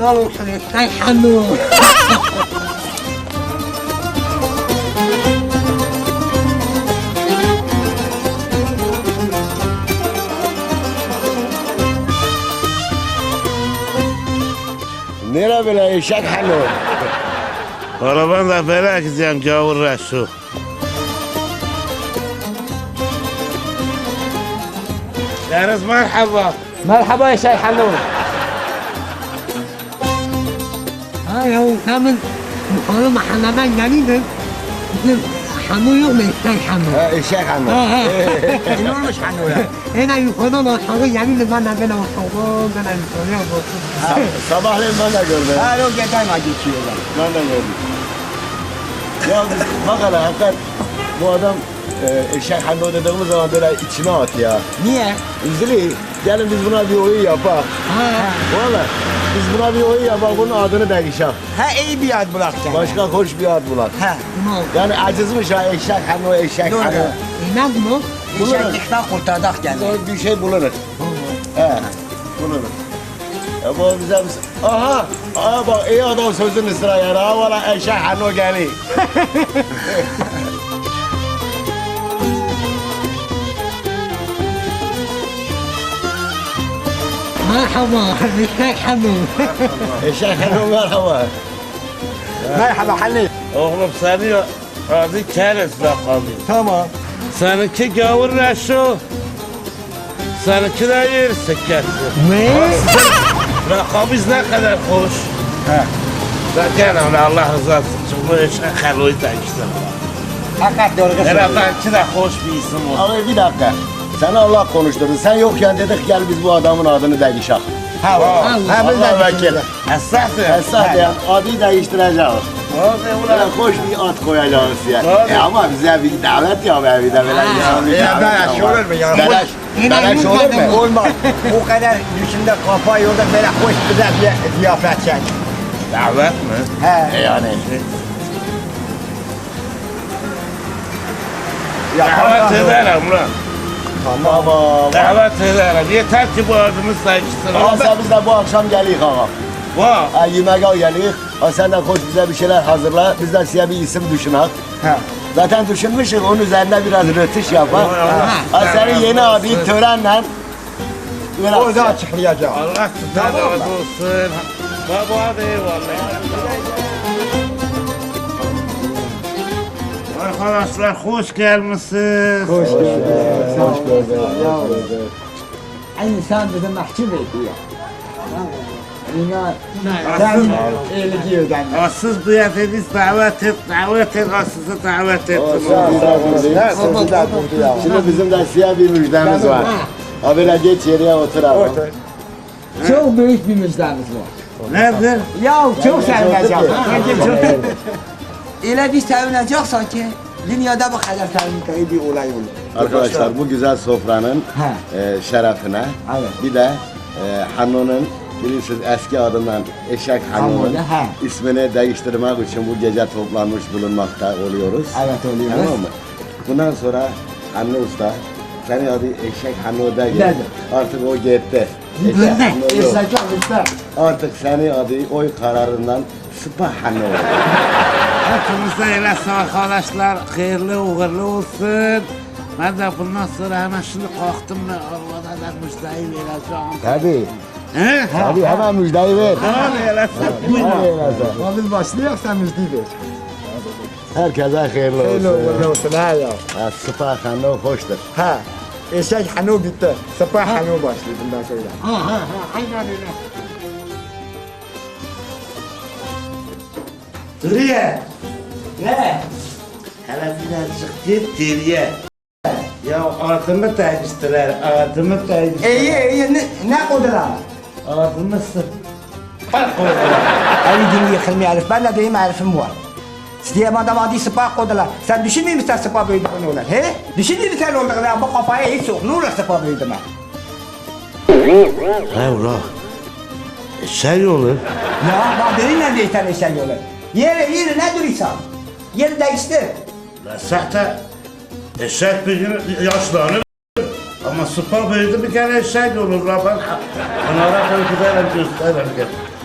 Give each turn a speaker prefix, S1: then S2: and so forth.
S1: helal olsun eşek hanım.
S2: Nere böyle eşek hanım?
S3: Araban da böyle gideceğim gavur Resul. Deniz merhaba.
S4: Merhaba eşek hanım.
S1: Ha ya demin yukarı mahalleden geliyordum. Bizim hanım yok mu eşek hanım?
S2: Ha eşek hanım.
S1: Ne olmuş hanım ya? Yine yukarıdan aşağı geliyordum ben de böyle aşağı böyle yukarıya bakıyorum.
S2: Sabahleyin ben de gördüm.
S4: Ha yok geçeyim geçiyorlar.
S2: Ben de gördüm. Ya biz bak hele hakikaten bu adam eşek hanım dediğimiz zaman böyle içine at ya.
S4: Niye?
S2: Üzülü. Gelin biz buna bir oyun yapak. Valla biz buna bir oyun yapak bunun adını değişelim.
S4: Ha iyi bir ad bırakacaksın.
S2: Başka hoş bir ad bulak.
S4: Ha.
S2: Yani acızmış ha eşek hanım eşek
S4: Doğru.
S2: hanım.
S1: Ne bu?
S4: Eşeklikten kurtardık kendini.
S2: Bir şey bulunur. He, bulunur. Ya bu bize aha, aha bak iyi adam sözünü sıra ya. Ha valla eşek hanım geliyor.
S1: Merhaba eşek hanım.
S2: Eşek hanım merhaba.
S4: Merhaba Halil.
S3: Oğlum seni adı Keres lakabı.
S4: Tamam.
S3: Seninki gavur Resul. Seninki de yer sikkesi.
S1: Ne?
S3: Lakabız ne kadar hoş.
S4: He.
S3: Zaten öyle Allah rızası için bu eşek haluyu da işte.
S4: Hakikat doğru söylüyorsun.
S3: Herhalde de hoş bir isim oldu.
S2: Abi bir dakika. Seni Allah konuşturdu. Sen yokken dedik gel biz bu adamın adını değişelim.
S4: Ha var. Ha biz
S2: Allah
S4: de
S2: vekil.
S3: Esasın.
S2: Esas ya adı değiştireceğiz.
S3: Hadi
S2: Böyle
S3: ulan.
S2: hoş bir ad koyacağız ya.
S3: Tabii.
S2: Ama bize bir davet ya be bir de böyle insan bir davet.
S4: beleş olur mu ya?
S2: Beleş olur mu?
S4: Olmaz. O kadar düşünde kafa yolda böyle hoş güzel bir ziyafet çek.
S3: Davet mi?
S4: He.
S2: Yani.
S3: Davet ederim ulan.
S2: Tamam.
S3: Davet ederim. Yeter ki bu adımı sayıştırın.
S2: Ama biz de bu akşam geliyoruz ağa.
S3: Vah.
S2: Ha, yemeğe geliyoruz. Ha, sen de hoş bize bir şeyler hazırla. Biz de size bir isim düşünelim.
S4: He.
S2: Zaten düşünmüşüz. Onun üzerine biraz rötuş yapar.
S3: Allah.
S2: Ha, senin yeni adı törenle
S4: O da açıklayacağım.
S3: Allah sizden razı olsun. Baba hadi eyvallah. Arkadaşlar hoş gelmişsiniz.
S4: Hoş geldin.
S2: Hoş gördük.
S4: Aynı sen bize mahcup ediyor. İnan.
S3: Asıl,
S4: Sen iyiliği öden.
S3: asıl bu yediniz davet et, sizi davet ettim.
S2: Şimdi bizim de siyah bir müjdemiz var. Ha böyle geç yere otur abi.
S4: Çok büyük bir müjdemiz var.
S3: Nedir?
S4: Ya çok sevineceğim.
S2: Evet.
S4: Öyle bir sevinecek sanki dünyada bu kadar sevindiği bir olay olur.
S2: Arkadaşlar bu güzel sofranın şerefine
S4: Evet.
S2: bir de Hanun'un bilirsiniz eski adından Eşek Hanun'un
S4: Hanun'da,
S2: ismini değiştirmek için bu gece toplanmış bulunmakta oluyoruz.
S4: Evet oluyoruz.
S2: Tamam mı? Bundan sonra Hanun Usta senin adı Eşek Hanun değil.
S4: Dedi.
S2: Artık o gitti. Eşek Hanun yok.
S4: İstekler işte.
S2: Artık senin adı oy kararından Sıpa Hanun.
S3: Hepinize eylesin arkadaşlar. Hayırlı uğurlu olsun. Ben de bundan sonra hemen şimdi kalktım ve arvada da müjdeyi vereceğim.
S2: Tabii.
S3: He?
S2: Tabii hemen müjdeyi ver.
S3: Hadi eylesin.
S2: Hadi eylesin.
S4: Biz başlıyoruz sen müjdeyi ver.
S2: Herkese hayırlı
S4: Hayırlı
S2: olsun.
S4: uğurlu olsun ha ya.
S2: Ha, Sıpa Hanun hoştur.
S4: Ha. Eşek Hanu bitti. Sabah Hanu başlıyor bundan sonra.
S1: Aynen öyle.
S3: Duriye.
S4: Ne?
S3: Hele birazcık git geriye. Ya adımı değiştirer, adımı değiştirer.
S4: İyi ne kodular?
S3: Adımı Sıpa koydular.
S4: Ali dini yıkılmıyor Arif. Ben de deyim Arif'im var. Size adam adı Sıpa kodular. Sen düşünmüyor musun Sıpa büyüdüğünü olur? He? Düşünmüyor musun olduğunu? Bu kafaya hiç yok. Ne olur Sıpa büyüdüğünü?
S3: He ula. Şey olur.
S4: Ya bak benimle değişten eşek olur. Yeri ne duruyorsan? Yeri değiştir.
S3: Zaten eşek bir gün yaşlanır. Ama sıpa büyüdü bir kere eşek olur. Ben onlara ben giderim gösteririm.